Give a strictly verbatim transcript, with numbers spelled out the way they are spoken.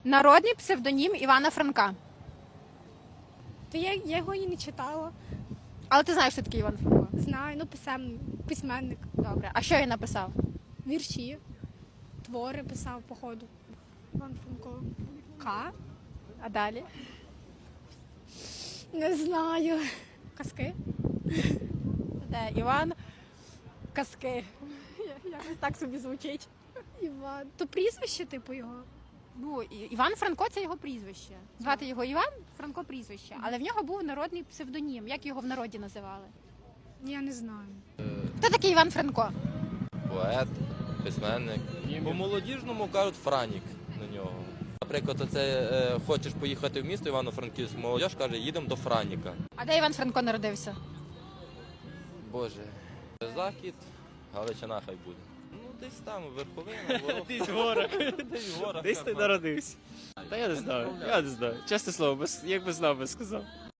Народний псевдонім Івана Франка. То я, я його і не читала. Але ти знаєш, що таке Іван Франко? Знаю, ну писем, письменник. Добре. А що він написав? Вірші, твори писав, походу. Іван Франко. К? А далі? Не знаю. Казки? Де Іван? Казки. Якось так собі звучить. Іван. То прізвище, типу, його? Ну, І- Іван Франко це його прізвище. Звати його Іван, Франко прізвище. Але в нього був народний псевдонім. Як його в народі називали? Я не знаю. Хто такий Іван Франко? Поет, письменник. По молодіжному кажуть Франік на нього. Наприклад, оце е, хочеш поїхати в місто Івано-Франківськ, молодіж каже, їдемо до Франіка. А де Іван Франко народився? Боже, захід, Галичина хай буде. Ну, десь там, верховина, ворог. Десь в горах. Десь в горах. Десь ти народився. Та я не знаю, я не знаю. Чесне слово, без, якби знав, би сказав.